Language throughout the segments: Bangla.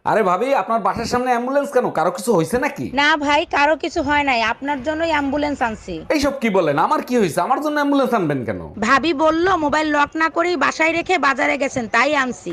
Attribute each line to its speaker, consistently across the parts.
Speaker 1: আরে ভাবি, আপনার বাসার সামনে অ্যাম্বুলেন্স কেন? কারো কিছু হয়েছে নাকি?
Speaker 2: না ভাই, কারো কিছু হয় নাই, আপনার জন্যই অ্যাম্বুলেন্স আনছি।
Speaker 1: এইসব কি বলেন? আমার কি হয়েছে? আমার জন্য অ্যাম্বুলেন্স আনবেন কেন?
Speaker 2: ভাবি বললো মোবাইল লক না করেই বাসায় রেখে বাজারে গেছেন, তাই আনছি।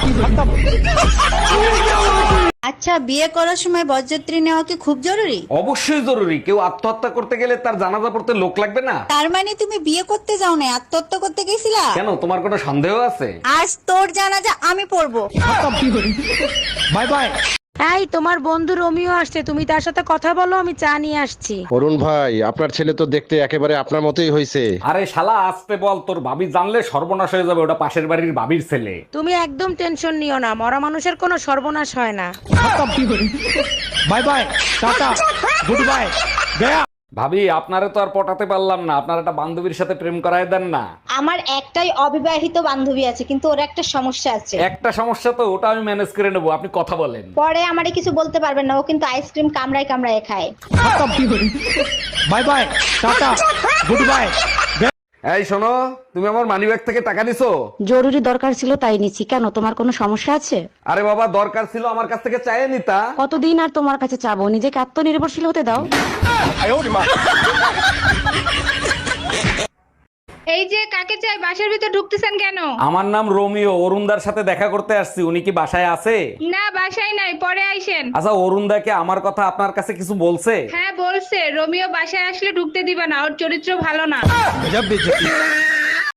Speaker 3: আচ্ছা, বিয়ে করার সময় বরযাত্রী নেওয়া কি খুব জরুরি?
Speaker 1: অবশ্যই জরুরি। কেউ আত্মহত্যা করতে গেলে তার জানাজা পড়তে লোক লাগবে না?
Speaker 3: তার মানে তুমি বিয়ে করতে যাও না, আত্মহত্যা করতে গেছিলা?
Speaker 1: কেন, তোমার কোনো সন্দেহ আছে?
Speaker 3: আজ তোর জানাজা আমি পড়বো।
Speaker 1: Bye bye.
Speaker 2: এই, তোমার বন্ধু রোমিও আসছে, তুমি তার সাথে কথা বলো, আমি চা নিয়ে আসছি।
Speaker 4: অরুণ ভাই, আপনার ছেলে তো দেখতে একেবারে আপনার মতোই হয়েছে।
Speaker 1: আরে শালা, আসতে বল। তোর ভাবি জানলে সর্বনাশ হয়ে যাবে। ওটা পাশের বাড়ির ভাবির ছেলে।
Speaker 2: তুমি একদম টেনশন নিও না, মরা মানুষের কোনো সর্বনাশ হয় না।
Speaker 1: Bye bye, tata, good bye, গয়া। ভাবি, আপনারে তো আর পটাতে পারলাম না। আপনার একটা বান্ধবীর সাথে প্রেম করায় দেন না।
Speaker 3: আমার একটাই অবিবাহিত বান্ধবী আছে, কিন্তু ওর একটা সমস্যা আছে।
Speaker 1: একটা সমস্যা তো, ওটা আমি ম্যানেজ করে নেবো। আপনি কথা বলেন।
Speaker 3: পরে আমারে কিছু বলতে পারবেন না, ও কিন্তু আইসক্রিম কামড়ায় কামড়ায় খায়।
Speaker 1: Bye bye, tata, good bye. এই শোনো, তুমি আমার মানিব্যাগ থেকে টাকা নিছো?
Speaker 2: জরুরি দরকার ছিল তাই নিচ্ছি। কেন, তোমার কোনো সমস্যা আছে?
Speaker 1: আরে বাবা, দরকার ছিল, আমার কাছ থেকে চাইয়ে নিতা।
Speaker 2: কতদিন আর তোমার কাছে চাবো? নিজেকে আত্মনির্ভরশীল হতে দাও।
Speaker 5: এই যে কাকে চাই, বাসার ভিতর ঢুকতেছেন কেন?
Speaker 1: আমার নাম রোমিও, অরুণদার সাথে দেখা করতে আসছি। উনি কি বাসায় আছে?
Speaker 5: না, বাসায় নাই, পরে আইসেন।
Speaker 1: আচ্ছা, অরুণদাকে আমার কথা আপনার কাছে কিছু বলছে?
Speaker 5: হ্যাঁ বলছে, রোমিও বাসায় আসলে ঢুকতে দিবে না, ওর চরিত্র ভালো না।